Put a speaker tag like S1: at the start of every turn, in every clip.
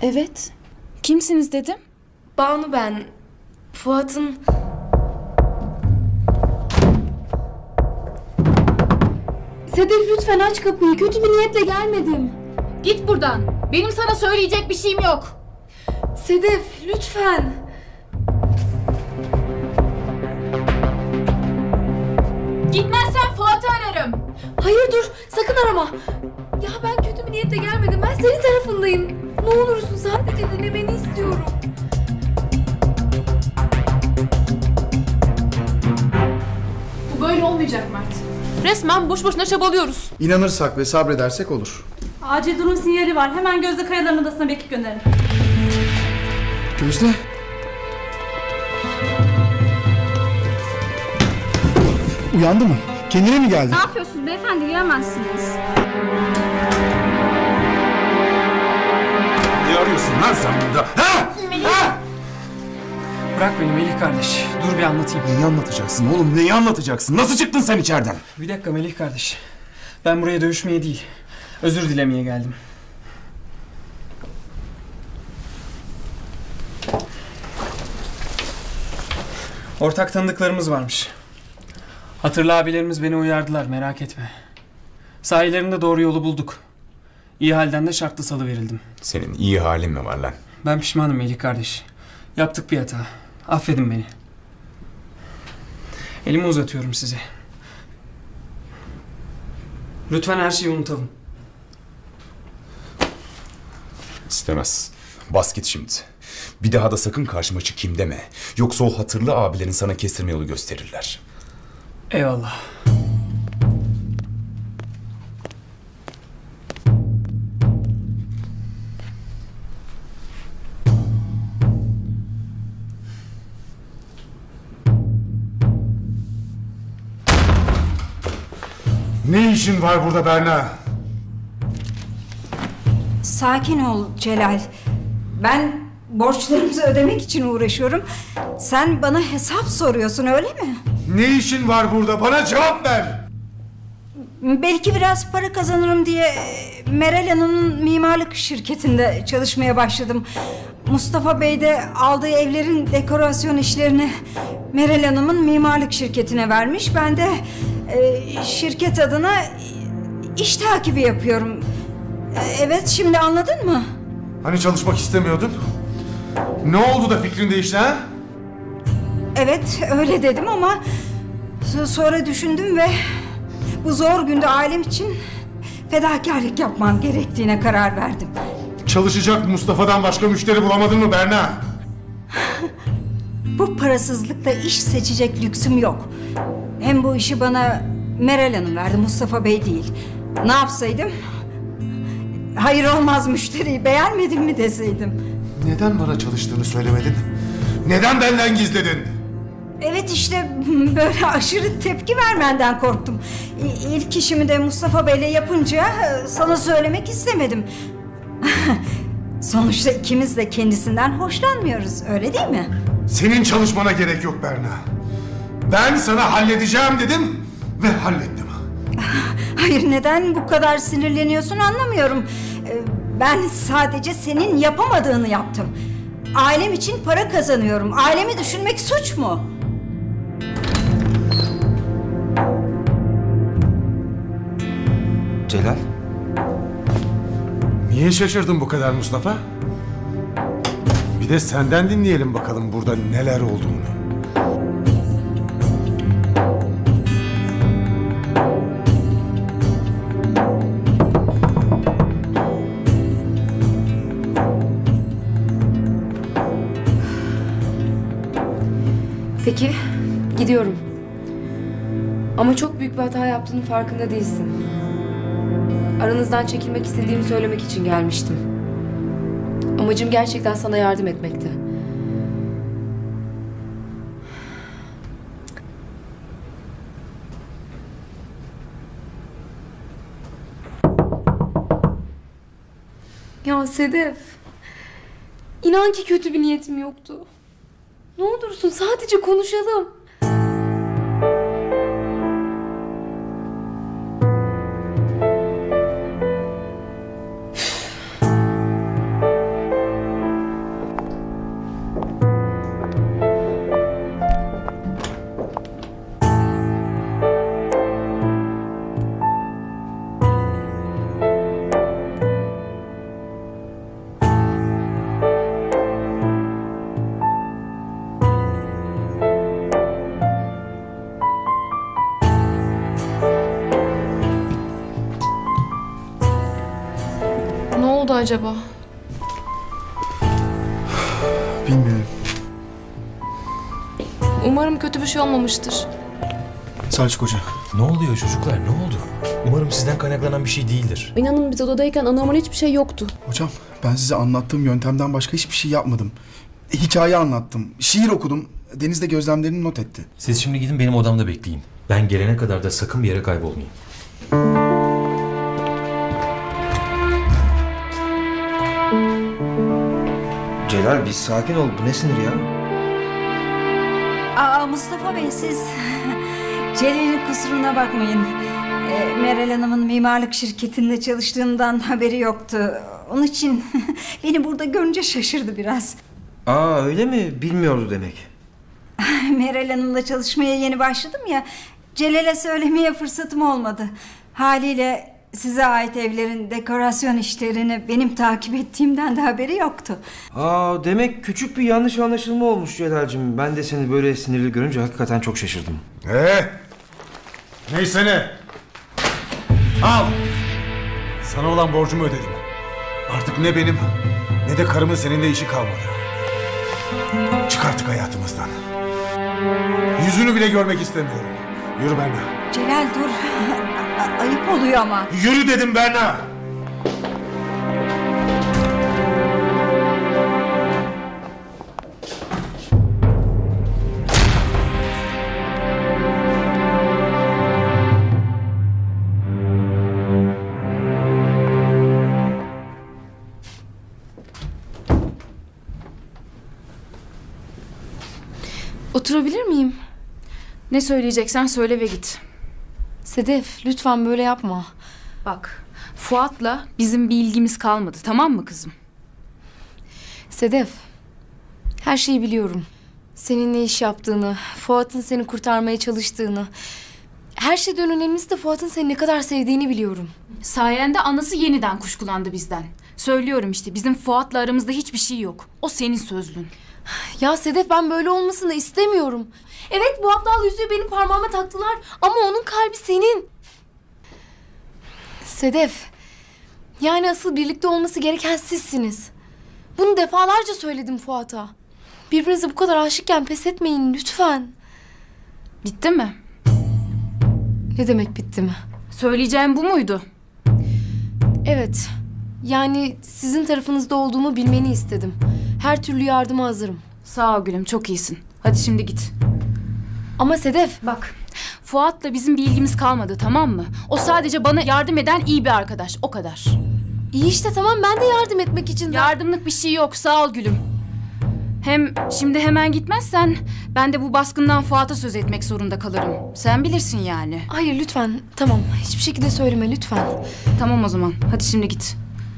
S1: Evet. Kimsiniz dedim.
S2: Banu ben. Fuat'ın...
S3: Sedef lütfen aç kapıyı. Kötü bir niyetle gelmedim.
S4: Git buradan. Benim sana söyleyecek bir şeyim yok.
S3: Sedef lütfen.
S4: Gitmezsen Fuat'ı ararım.
S3: Hayır dur sakın arama. Ya ben kötü bir niyetle gelmedim. Ben senin tarafındayım. Ne olursun sadece dinlemeni istiyorum.
S4: Bu böyle olmayacak Mert. Resmen boş boşuna çabalıyoruz.
S5: İnanırsak ve sabredersek olur.
S6: Acil durum sinyali var. Hemen Gözde Kayalar'ın odasına bir ekip gönderin.
S5: Gözde. Uyandı mı? Kendine mi geldi?
S6: Ne yapıyorsunuz beyefendi? Giremezsiniz.
S7: Ne arıyorsun lan sen burada? Ha? Ha?
S8: Bırak beni Melih kardeş. Dur bir anlatayım.
S7: Neyi anlatacaksın oğlum? Neyi anlatacaksın? Nasıl çıktın sen içeriden?
S8: Bir dakika Melih kardeş. Ben buraya dövüşmeye değil, özür dilemeye geldim. Ortak tanıdıklarımız varmış. Hatırlı abilerimiz beni uyardılar, merak etme. Sahilerinde doğru yolu bulduk. İyi halden de şartlı salıverildim.
S7: Senin iyi halin mi var lan?
S8: Ben pişmanım Melih kardeş. Yaptık bir hata. Affedin beni. Elimi uzatıyorum size. Lütfen her şeyi unutalım.
S7: İstemez. Bas git şimdi. Bir daha da sakın karşıma çıkayım deme. Yoksa o hatırlı abilerin sana kestirme yolu gösterirler.
S8: Eyvallah.
S9: Ne işin var burada Berna?
S10: Sakin ol Celal. Ben borçlarımızı ödemek için uğraşıyorum. Sen bana hesap soruyorsun öyle mi?
S9: Ne işin var burada? Bana cevap ver!
S10: Belki biraz para kazanırım diye Meral Hanım'ın mimarlık şirketinde çalışmaya başladım. Mustafa Bey de aldığı evlerin dekorasyon işlerini Meral Hanım'ın mimarlık şirketine vermiş. Ben de şirket adına iş takibi yapıyorum. Evet, şimdi anladın mı?
S9: Hani çalışmak istemiyordun? Ne oldu da fikrin değişti ha?
S10: Evet, öyle dedim ama sonra düşündüm ve bu zor günde ailem için fedakarlık yapmam gerektiğine karar verdim.
S9: Çalışacak Mustafa'dan başka müşteri bulamadın mı Berna?
S10: Bu parasızlıkla iş seçecek lüksüm yok. Hem bu işi bana Meral Hanım verdi, Mustafa Bey değil. Ne yapsaydım? Hayır olmaz müşteriyi beğenmedin mi deseydim.
S9: Neden bana çalıştığını söylemedin? Neden benden gizledin?
S10: Evet işte böyle aşırı tepki vermenden korktum. İlk işimi de Mustafa Bey'le yapınca sana söylemek istemedim. Sonuçta ikimiz de kendisinden hoşlanmıyoruz, öyle değil mi?
S9: Senin çalışmana gerek yok Berna. Ben sana halledeceğim dedim ve hallettim.
S10: Hayır, neden bu kadar sinirleniyorsun anlamıyorum. Ben sadece senin yapamadığını yaptım. Ailem için para kazanıyorum. Ailemi düşünmek suç mu?
S5: Celal.
S9: Niye şaşırdın bu kadar Mustafa? Bir de senden dinleyelim bakalım burada neler olduğunu.
S2: Peki, gidiyorum. Ama çok büyük bir hata yaptığının farkında değilsin. Aranızdan çekilmek istediğimi söylemek için gelmiştim. Amacım gerçekten sana yardım etmekti. Ya Sedef, inan ki kötü bir niyetim yoktu. Ne olursun sadece konuşalım.
S4: acaba?
S5: Bilmiyorum.
S4: Umarım kötü bir şey olmamıştır.
S5: Selçuk Hoca.
S11: Ne oluyor çocuklar? Ne oldu? Umarım sizden kaynaklanan bir şey değildir.
S3: İnanın biz odadayken anormal hiçbir şey yoktu.
S5: Hocam ben size anlattığım yöntemden başka hiçbir şey yapmadım. Hikaye anlattım. Şiir okudum. Deniz de gözlemlerini not etti.
S11: Siz şimdi gidin benim odamda bekleyin. Ben gelene kadar da sakın bir yere kaybolmayın.
S12: Celal bir sakin ol. Bu ne sinir ya?
S10: Mustafa Bey siz Celal'in kusuruna bakmayın. Meral Hanım'ın mimarlık şirketinde çalıştığımdan haberi yoktu. Onun için beni burada görünce şaşırdı biraz.
S12: Öyle mi? Bilmiyordu demek.
S10: Meral Hanım'la çalışmaya yeni başladım ya. Celal'e söylemeye fırsatım olmadı. Haliyle size ait evlerin dekorasyon işlerini benim takip ettiğimden de haberi yoktu.
S12: Demek küçük bir yanlış anlaşılma olmuş Celal'cim. Ben de seni böyle sinirli görünce hakikaten çok şaşırdım.
S9: Neyse ne? Al! Sana olan borcumu ödedim. Artık ne benim ne de karımın seninle işi kalmadı. Çık artık hayatımızdan. Yüzünü bile görmek istemiyorum. Yürü Berna.
S10: Celal dur. Ayıp oluyor ama.
S9: Yürü dedim Berna.
S1: Oturabilir miyim? Ne söyleyeceksen söyle ve git.
S2: Sedef lütfen böyle yapma.
S1: Bak, Fuat'la bizim bir ilgimiz kalmadı, tamam mı kızım?
S2: Sedef, her şeyi biliyorum. Senin ne iş yaptığını, Fuat'ın seni kurtarmaya çalıştığını. Her şeyden önemlisi de Fuat'ın seni ne kadar sevdiğini biliyorum.
S1: Sayende anası yeniden kuşkulandı bizden. Söylüyorum işte, bizim Fuat'la aramızda hiçbir şey yok. O senin sözlün.
S2: Ya Sedef ben böyle olmasını istemiyorum. Evet bu aptal yüzüğü benim parmağıma taktılar ama onun kalbi senin. Sedef, yani asıl birlikte olması gereken sizsiniz. Bunu defalarca söyledim Fuat'a. Birbirinize bu kadar aşıkken pes etmeyin lütfen.
S1: Bitti mi?
S2: Ne demek bitti mi?
S1: Söyleyeceğim bu muydu?
S2: Evet, yani sizin tarafınızda olduğumu bilmeni istedim. Her türlü yardıma hazırım.
S1: Sağ ol gülüm, çok iyisin. Hadi şimdi git.
S2: Ama Sedef,
S1: Bak, Fuat'la bizim bir ilgimiz kalmadı, tamam mı? O sadece bana yardım eden iyi bir arkadaş, o kadar.
S2: iyi işte tamam ben de yardım etmek için...
S1: Yardımlık bir şey yok, sağ ol gülüm. Hem şimdi hemen gitmezsen ben de bu baskından Fuat'a söz etmek zorunda kalırım. Sen bilirsin yani.
S2: Hayır lütfen, tamam. Hiçbir şekilde söyleme lütfen.
S1: Tamam o zaman, hadi şimdi git.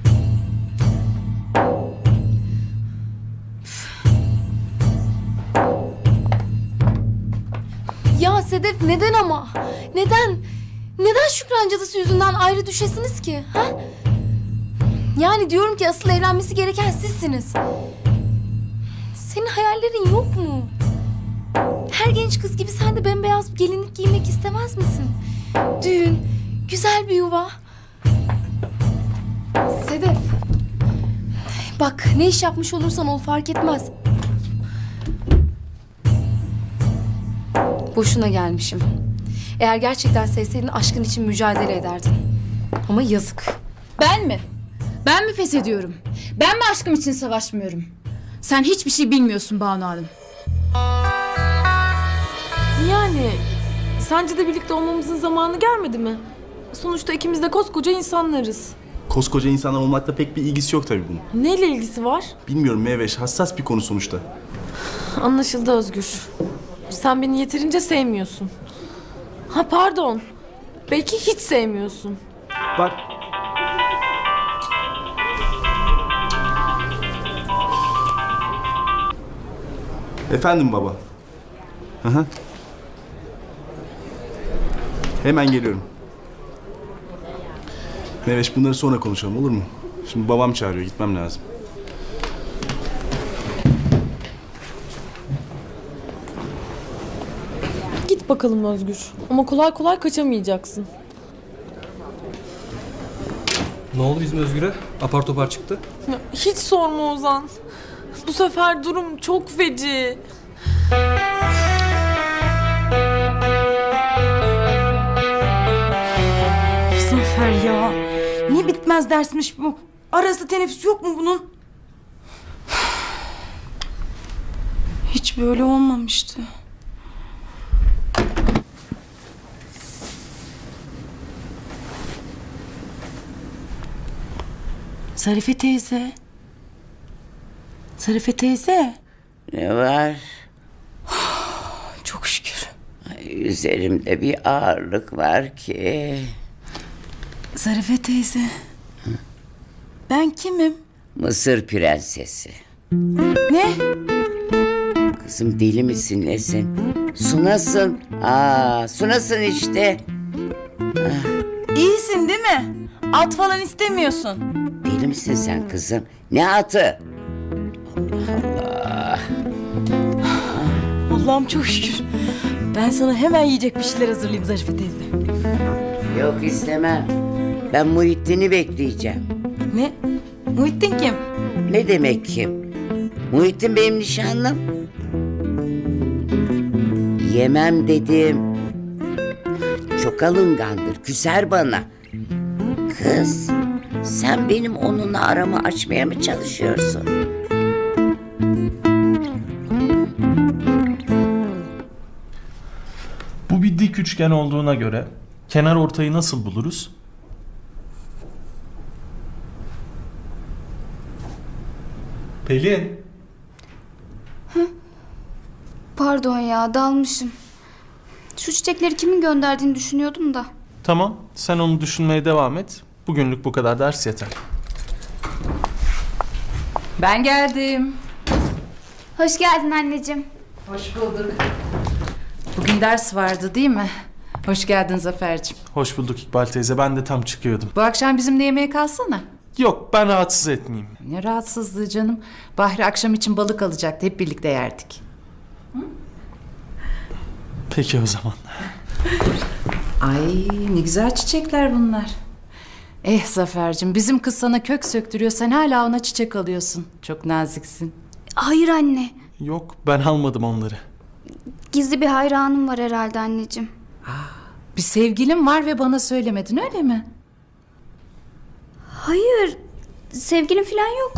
S2: Ya Sedef neden ama? Neden? Neden Şükran cadısı yüzünden ayrı düşesiniz ki? Ha? Yani diyorum ki asıl evlenmesi gereken sizsiniz. Senin hayallerin yok mu? Her genç kız gibi sen de bembeyaz bir gelinlik giymek istemez misin? Düğün, güzel bir yuva. Sedef. Bak ne iş yapmış olursan ol fark etmez. Boşuna gelmişim. Eğer gerçekten sevseydin aşkın için mücadele ederdin. Ama yazık.
S1: Ben mi? Ben mi pes ediyorum? Ben mi aşkım için savaşmıyorum? Sen hiçbir şey bilmiyorsun Banu Hanım.
S3: Yani sence de birlikte olmamızın zamanı gelmedi mi? Sonuçta ikimiz de koskoca insanlarız.
S13: Koskoca insanlar olmakla pek bir ilgisi yok tabii bunun.
S3: Neyle ilgisi var?
S13: Bilmiyorum Meyveş, hassas bir konu sonuçta.
S3: Anlaşıldı Özgür. Sen beni yeterince sevmiyorsun. Ha pardon. Belki hiç sevmiyorsun.
S13: Bak. Efendim baba. Hı hı. Hemen geliyorum. Meyveş bunları sonra konuşalım olur mu? Şimdi babam çağırıyor, gitmem lazım.
S3: Git bakalım Özgür. Ama kolay kolay kaçamayacaksın.
S11: Ne oldu bizim Özgür'e? Apar topar çıktı.
S14: Hiç sorma Ozan. Bu sefer durum çok feci.
S15: Zafer ya. Ne bitmez dersmiş bu. Arası teneffüs yok mu bunun? Hiç böyle olmamıştı. Zarife teyze. Zarife teyze.
S16: Ne var?
S15: Çok şükür.
S16: Ay, üzerimde bir ağırlık var ki.
S15: Zarife teyze. Ben kimim?
S16: Mısır prensesi.
S15: Ne?
S16: Kızım deli misin nesin? Sunasın. Sunasın işte.
S15: İyisin değil mi? At falan istemiyorsun.
S16: Deli misin sen kızım? Ne atı? Allah.
S15: Allah'ım çok şükür. Ben sana hemen yiyecek bir şeyler hazırlayayım Zarife teyze.
S16: Yok istemem. Ben Muhittin'i bekleyeceğim.
S15: Ne? Muhittin kim?
S16: Ne demek kim? Muhittin benim nişanlım. Yemem dedim. Çok alıngandır, küser bana. Kız, sen benim onunla aramı açmaya mı çalışıyorsun?
S17: Bu bir dik üçgen olduğuna göre kenar ortayı nasıl buluruz? Pelin.
S1: Pardon ya, dalmışım. Şu çiçekleri kimin gönderdiğini düşünüyordum da.
S17: Tamam, sen onu düşünmeye devam et. Bugünlük bu kadar ders yeter.
S1: Ben geldim.
S18: Hoş geldin anneciğim.
S1: Hoş bulduk. Bugün ders vardı değil mi? Hoş geldin Zafer'cim.
S17: Hoş bulduk İkbal teyze, ben de tam çıkıyordum.
S1: Bu akşam bizimle yemeğe kalsana.
S17: Yok, ben rahatsız etmeyeyim.
S1: Ne rahatsızlığı canım. Bahri akşam için balık alacaktı. Hep birlikte yerdik.
S17: Peki o zaman.
S1: Ay ne güzel çiçekler bunlar. Zafer'cim, bizim kız sana kök söktürüyor. Sen hala ona çiçek alıyorsun. Çok naziksin.
S18: Hayır anne.
S17: Yok, ben almadım onları.
S18: Gizli bir hayranım var herhalde anneciğim.
S1: Bir sevgilim var ve bana söylemedin, öyle mi?
S18: Hayır. Sevgilim falan yok.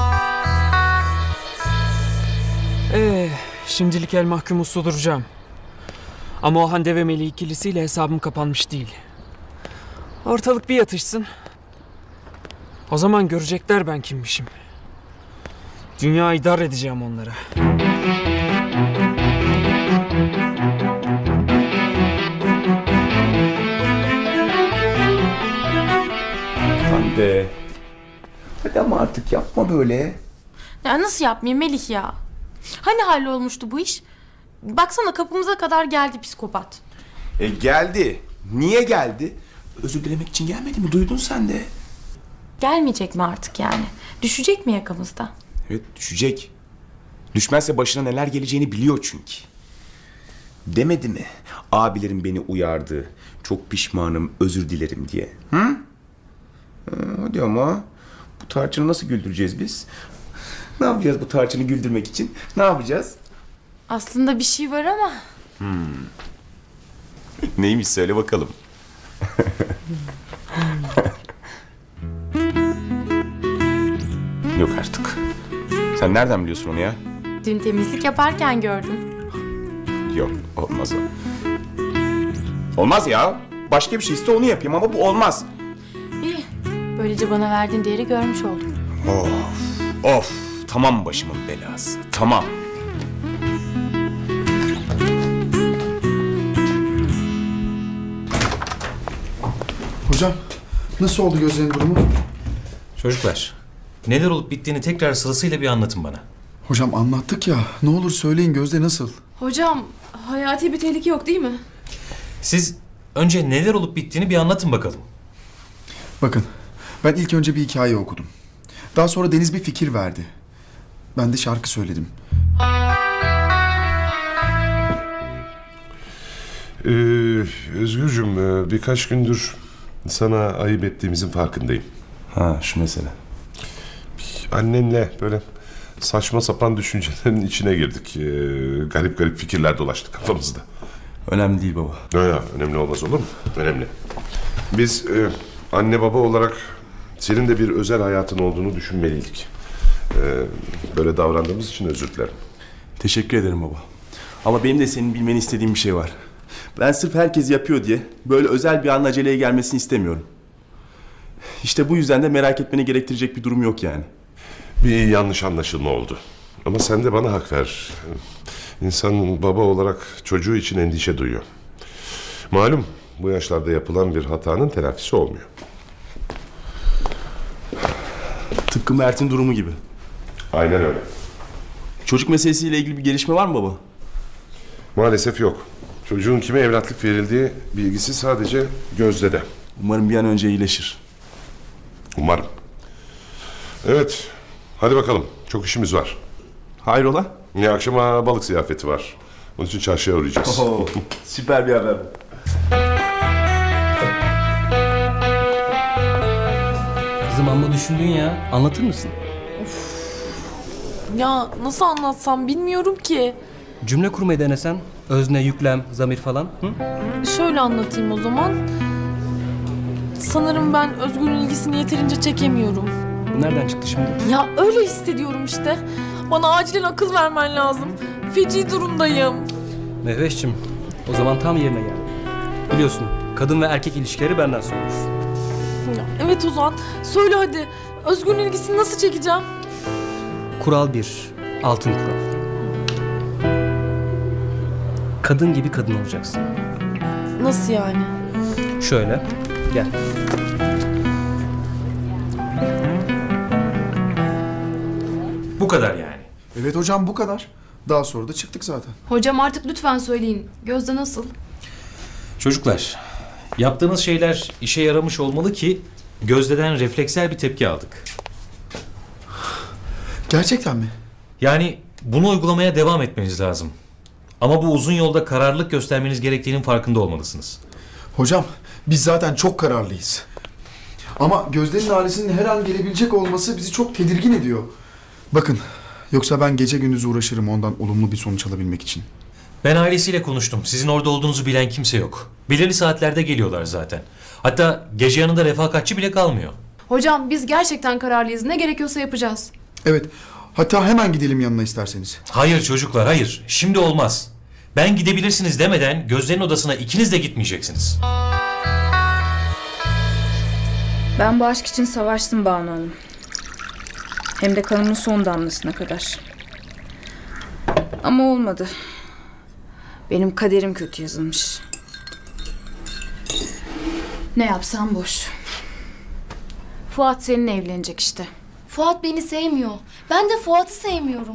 S8: Şimdilik el mahkum uslu duracağım. Ama o Hande ve Melih ikilisiyle hesabım kapanmış değil. Ortalık bir yatışsın. O zaman görecekler ben kimmişim. Dünyayı dar edeceğim onlara.
S7: Hande. Hadi ama artık yapma böyle.
S4: Ya nasıl yapmayayım Melih ya? Hani hallolmuştu bu iş? Baksana kapımıza kadar geldi psikopat.
S7: Geldi. Niye geldi? Özür dilemek için gelmedi mi? Duydun sen de.
S4: Gelmeyecek mi artık yani? Düşecek mi yakamızda?
S7: Evet, düşecek. Düşmezse başına neler geleceğini biliyor çünkü. Demedi mi? Abilerim beni uyardı. Çok pişmanım, özür dilerim diye. Hı? Hadi ama bu tarçını nasıl güldüreceğiz biz? Ne yapacağız bu tarçını güldürmek için? Ne yapacağız?
S4: Aslında bir şey var ama.
S7: Neymiş söyle bakalım. Yok artık. Sen nereden biliyorsun onu ya?
S4: Dün temizlik yaparken gördüm.
S7: Yok, olmaz o. Olmaz ya. Başka bir şey iste onu yapayım ama bu olmaz.
S4: İyi. Böylece bana verdiğin değeri görmüş oldum.
S7: Of. Tamam başımın belası. Tamam.
S5: Hocam nasıl oldu gözlerin durumu?
S11: Çocuklar, neler olup bittiğini tekrar sırasıyla bir anlatın bana.
S5: Hocam anlattık ya. Ne olur söyleyin, Gözde nasıl?
S4: Hocam hayati bir tehlike yok değil mi?
S11: Siz önce neler olup bittiğini bir anlatın bakalım.
S5: Bakın ben ilk önce bir hikaye okudum. Daha sonra Deniz bir fikir verdi. Ben de şarkı söyledim.
S19: Özgürcüğüm birkaç gündür sana ayıp ettiğimizin farkındayım.
S13: Ha, şu mesele. Annenle böyle saçma sapan düşüncelerin içine girdik. Garip garip fikirler dolaştı kafamızda.
S5: Önemli değil baba.
S13: Önemli olmaz olur mu? Önemli. Biz anne baba olarak senin de bir özel hayatın olduğunu düşünmeliydik. Böyle davrandığımız için özür dilerim.
S5: Teşekkür ederim baba. Ama benim de senin bilmeni istediğim bir şey var. Ben sırf herkes yapıyor diye böyle özel bir anın aceleye gelmesini istemiyorum. İşte bu yüzden de merak etmeni gerektirecek bir durum yok yani.
S13: Bir yanlış anlaşılma oldu. Ama sen de bana hak ver. İnsan baba olarak çocuğu için endişe duyuyor. Malum bu yaşlarda yapılan bir hatanın telafisi olmuyor.
S5: Tıpkı Mert'in durumu gibi.
S13: Aynen öyle.
S5: Çocuk meselesiyle ilgili bir gelişme var mı baba?
S13: Maalesef yok. Çocuğun kime evlatlık verildiği bilgisi sadece Gözde'de.
S5: Umarım bir an önce iyileşir.
S13: Umarım. Evet. Hadi bakalım. Çok işimiz var.
S5: Hayrola?
S13: Ya akşama balık ziyafeti var. Onun için çarşıya uğrayacağız.
S5: Süper bir haber.
S19: Kızım amma düşündün ya. Anlatır mısın?
S14: Ya nasıl anlatsam bilmiyorum ki.
S19: Cümle kurmayı denesen. Özne, yüklem, zamir falan. Hı?
S14: Şöyle anlatayım o zaman. Sanırım ben Özgür'ün ilgisini yeterince çekemiyorum.
S19: Bu nereden çıktı şimdi?
S14: Ya öyle hissediyorum işte. Bana acilen akıl vermen lazım. Feci durumdayım.
S19: Mehveş'cim, o zaman tam yerine gel. Biliyorsun, kadın ve erkek ilişkileri benden sorulur.
S14: Ya, evet Ozan, söyle hadi. Özgür'ün ilgisini nasıl çekeceğim?
S19: Kural 1, altın kural. Kadın gibi kadın olacaksın.
S14: Nasıl yani?
S19: Şöyle, gel.
S11: Bu kadar yani.
S5: Evet hocam bu kadar. Daha sonra da çıktık zaten.
S3: Hocam artık lütfen söyleyin. Gözde nasıl?
S11: Çocuklar, yaptığınız şeyler işe yaramış olmalı ki Gözde'den refleksel bir tepki aldık.
S5: Gerçekten mi?
S11: Yani bunu uygulamaya devam etmeniz lazım. Ama bu uzun yolda kararlılık göstermeniz gerektiğinin farkında olmalısınız.
S5: Hocam biz zaten çok kararlıyız. Ama Gözde'nin ailesinin her an gelebilecek olması bizi çok tedirgin ediyor. Bakın yoksa ben gece gündüz uğraşırım ondan olumlu bir sonuç alabilmek için.
S11: Ben ailesiyle konuştum. Sizin orada olduğunuzu bilen kimse yok. Belirli saatlerde geliyorlar zaten. Hatta gece yanında refakatçi bile kalmıyor.
S3: Hocam biz gerçekten kararlıyız. Ne gerekiyorsa yapacağız.
S5: Evet. Hatta hemen gidelim yanına isterseniz.
S11: Hayır çocuklar hayır. Şimdi olmaz. Ben gidebilirsiniz demeden Gözde'nin odasına ikiniz de gitmeyeceksiniz.
S1: Ben bu aşk için savaştım Banu Hanım. Hem de kanımın son damlasına kadar. Ama olmadı. Benim kaderim kötü yazılmış. Ne yapsam boş. Fuat seninle evlenecek işte.
S3: Fuat beni sevmiyor. Ben de Fuat'ı sevmiyorum.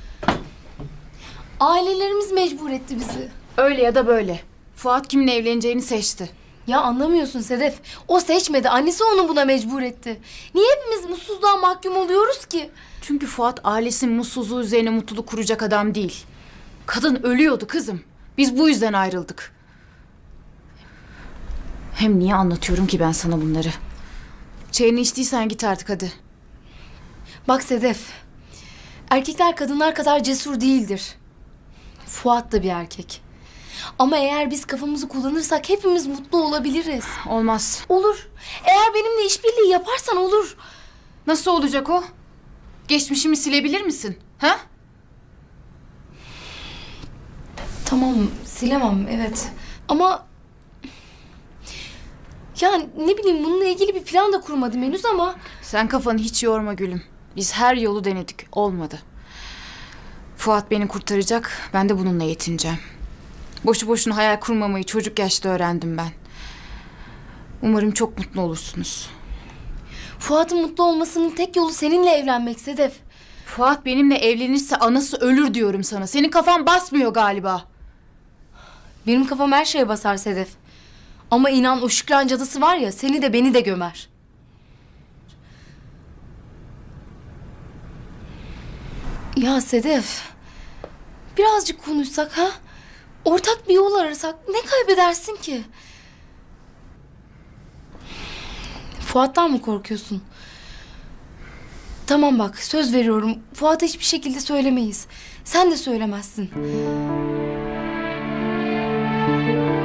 S3: Ailelerimiz mecbur etti bizi.
S1: Öyle ya da böyle. Fuat kiminle evleneceğini seçti.
S3: Ya anlamıyorsun Sedef. O seçmedi. Annesi onu buna mecbur etti. Niye hepimiz mutsuzluğa mahkum oluyoruz ki?
S1: Çünkü Fuat ailesinin mutsuzluğu üzerine mutluluk kuracak adam değil. Kadın ölüyordu kızım. Biz bu yüzden ayrıldık. Hem niye anlatıyorum ki ben sana bunları? Çayını içtiysen git artık hadi.
S3: Bak Sedef. Erkekler kadınlar kadar cesur değildir. Fuat da bir erkek. Ama eğer biz kafamızı kullanırsak hepimiz mutlu olabiliriz.
S1: Olmaz.
S3: Olur. Eğer benimle işbirliği yaparsan olur.
S1: Nasıl olacak o? Geçmişimi silebilir misin? Ha?
S3: Tamam, silemem evet. Ama ya ne bileyim bununla ilgili bir plan da kurmadım henüz ama.
S1: Sen kafanı hiç yorma gülüm. Biz her yolu denedik. Olmadı. Fuat beni kurtaracak. Ben de bununla yetineceğim. Boşu boşuna hayal kurmamayı çocuk yaşta öğrendim ben. Umarım çok mutlu olursunuz.
S3: Fuat'ın mutlu olmasının tek yolu seninle evlenmek Sedef.
S1: Fuat benimle evlenirse anası ölür diyorum sana. Senin kafan basmıyor galiba.
S3: Benim kafam her şeye basar Sedef. Ama inan o Şükran cadısı var ya seni de beni de gömer. Ya Sedef, birazcık konuşsak ha? Ortak bir yol arasak ne kaybedersin ki? Fuat'tan mı korkuyorsun? Tamam bak, söz veriyorum. Fuat'a hiçbir şekilde söylemeyiz. Sen de söylemezsin.